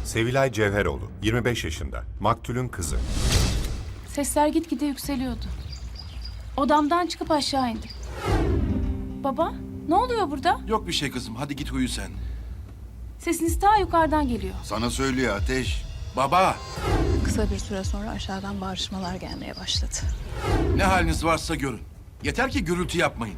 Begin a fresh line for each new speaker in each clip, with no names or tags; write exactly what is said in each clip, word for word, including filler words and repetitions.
Sevilay Cevheroğlu, yirmi beş yaşında, maktulün kızı.
Sesler gitgide yükseliyordu. Odamdan çıkıp aşağı indim. Baba, ne oluyor burada?
Yok bir şey kızım. Hadi git uyu sen.
Sesiniz ta yukarıdan geliyor.
Sana söylüyor Ateş.
Baba,
Kısa bir süre sonra aşağıdan bağırışmalar gelmeye başladı.
ne haliniz varsa görün. Yeter ki gürültü yapmayın.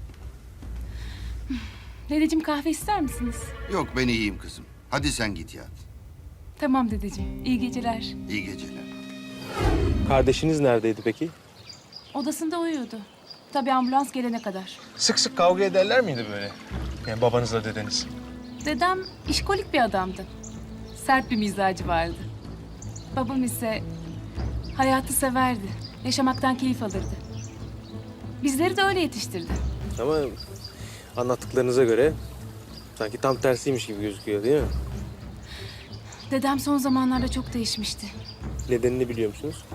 Dedeciğim, kahve ister misiniz?
Yok ben iyiyim kızım. Hadi sen git yat.
Tamam dedeciğim, iyi geceler.
İyi geceler.
Kardeşiniz neredeydi peki?
Odasında uyuyordu. Tabii ambulans gelene kadar.
Sık sık kavga ederler miydi böyle? Yani babanızla dedeniz.
Dedem işkolik bir adamdı. Sert bir mizacı vardı. Babam ise hayatı severdi. Yaşamaktan keyif alırdı. Bizleri de öyle yetiştirdi.
Ama anlattıklarınıza göre sanki tam tersiymiş gibi gözüküyor değil mi?
Dedem son zamanlarda çok değişmişti.
Nedenini biliyor musunuz?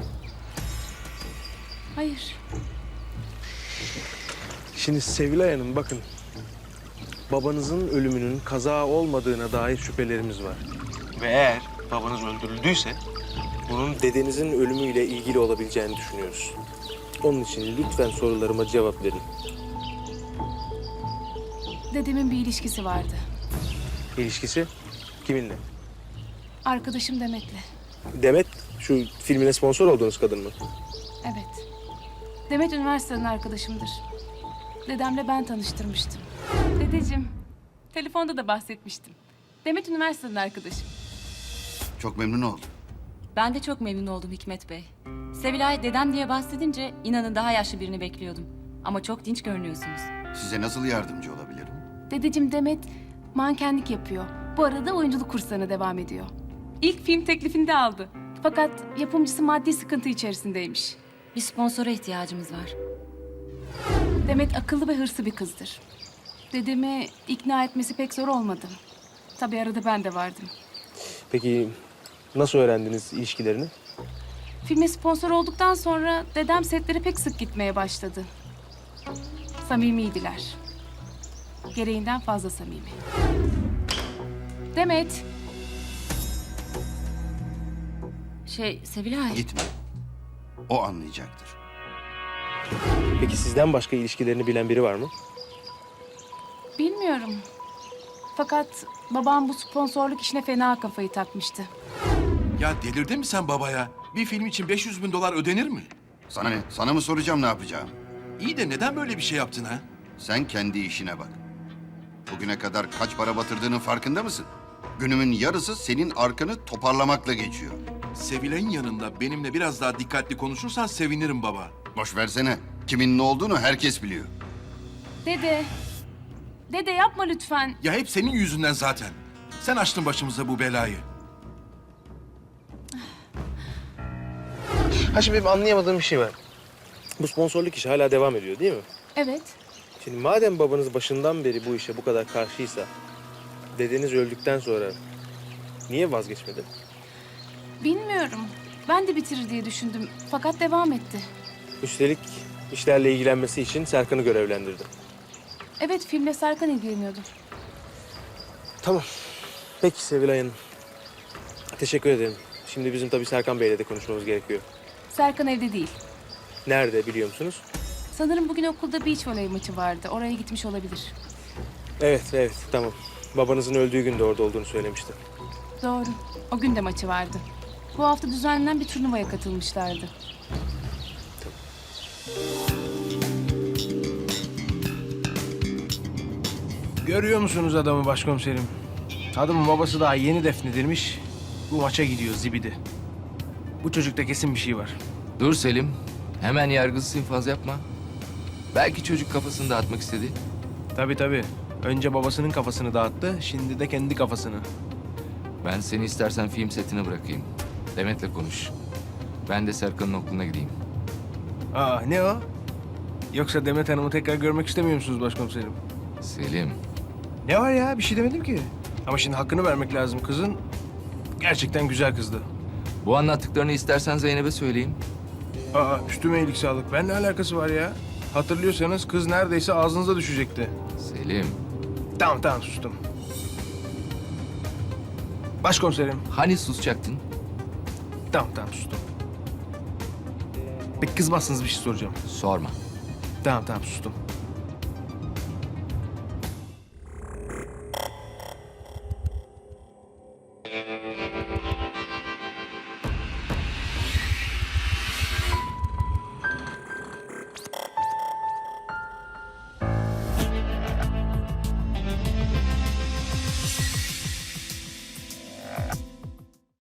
Hayır.
Şimdi Sevilay Hanım bakın. Babanızın ölümünün kaza olmadığına dair şüphelerimiz var. Ve eğer babanız öldürüldüyse bunun dedenizin ölümüyle ilgili olabileceğini düşünüyoruz. Onun için lütfen sorularıma cevap verin.
Dedemin bir ilişkisi vardı.
İlişkisi kiminle?
Arkadaşım Demet'le.
Demet şu filmine sponsor olduğunuz kadın mı?
Evet. Demet üniversiteden arkadaşımdır. Dedemle ben tanıştırmıştım. Dedeciğim, telefonda da bahsetmiştim. Demet üniversiteden arkadaşım.
Çok memnun oldum.
Ben de çok memnun oldum Hikmet Bey. Sevilay dedem diye bahsedince inanın daha yaşlı birini bekliyordum. Ama çok dinç görünüyorsunuz.
Size nasıl yardımcı olabilirim?
Dedeciğim, Demet mankenlik yapıyor. Bu arada oyunculuk kurslarına devam ediyor. İlk film teklifini de aldı. Fakat yapımcısı maddi sıkıntı içerisindeymiş.
Bir sponsora ihtiyacımız var.
Demet akıllı ve hırslı bir kızdır. Dedemi ikna etmesi pek zor olmadı. Tabii arada ben de vardım.
Peki nasıl öğrendiniz ilişkilerini?
Filme sponsor olduktan sonra dedem setlere pek sık gitmeye başladı. Samimiydiler. Gereğinden fazla samimi. Demet,
Şey Sevilay.
Gitme. O anlayacaktır.
Peki sizden başka ilişkilerini bilen biri var mı?
bilmiyorum. Fakat babam bu sponsorluk işine fena kafayı takmıştı.
Ya delirdin mi sen babaya? Bir film için beş yüz bin dolar ödenir mi?
Sana ne? Sana mı soracağım ne yapacağım?
İyi de neden böyle bir şey yaptın ha?
Sen kendi işine bak. Bugüne kadar kaç para batırdığının farkında mısın? Günümün yarısı senin arkanı toparlamakla geçiyor.
Sevilay'ın yanında benimle biraz daha dikkatli konuşursan sevinirim baba.
Boş versene. Kimin ne olduğunu herkes biliyor.
Dede, dede yapma lütfen.
Ya hep senin yüzünden zaten. Sen açtın başımıza bu belayı.
Ha şimdi benim anlayamadığım bir şey var. Bu sponsorluk işi hala devam ediyor değil mi?
Evet,
Şimdi madem babanız başından beri bu işe bu kadar karşıysa... ...dedeniz öldükten sonra niye vazgeçmedi?
bilmiyorum. Ben de bitirir diye düşündüm. Fakat devam etti.
Üstelik işlerle ilgilenmesi için Serkan'ı görevlendirdi.
Evet, filmle Serkan ilgileniyordu.
Tamam. Peki Sevilay Hanım. Teşekkür ederim. Şimdi bizim tabii Serkan Bey'le de konuşmamız gerekiyor.
Serkan evde değil.
Nerede biliyor musunuz?
Sanırım bugün okulda beach voley maçı vardı. Oraya gitmiş olabilir.
Evet, evet. Tamam. Babanızın öldüğü gün de orada olduğunu söylemişti.
Doğru. O gün de maçı vardı. Bu hafta düzenlenen bir turnuvaya katılmışlardı.
Görüyor musunuz adamı başkomiserim? Adamın babası daha yeni defnedilmiş. Bu maça gidiyor zibidi. Bu çocukta kesin bir şey var.
Dur Selim. Hemen yargısız infaz yapma. Belki çocuk kafasını dağıtmak istedi.
Tabii tabii. Önce babasının kafasını dağıttı, şimdi de kendi kafasını.
Ben seni istersen film setine bırakayım. Demet'le konuş. Ben de Serkan'ın okuluna gideyim.
Aa ne o? Yoksa Demet Hanım'ı tekrar görmek istemiyor musunuz başkomiserim?
Selim.
Ne var ya? Bir şey demedim ki. Ama şimdi hakkını vermek lazım kızın. Gerçekten güzel kızdı.
Bu anlattıklarını istersen Zeynep'e söyleyeyim.
Aa üstüme iyilik sağlık. Ben ne alakası var ya? Hatırlıyorsanız kız neredeyse ağzınıza düşecekti.
Selim.
Tamam tamam sustum. Başkomiserim.
Hani susacaktın?
Tamam tamam sustum. Peki kızmazsınız bir şey soracağım.
Sorma.
Tamam tamam sustum.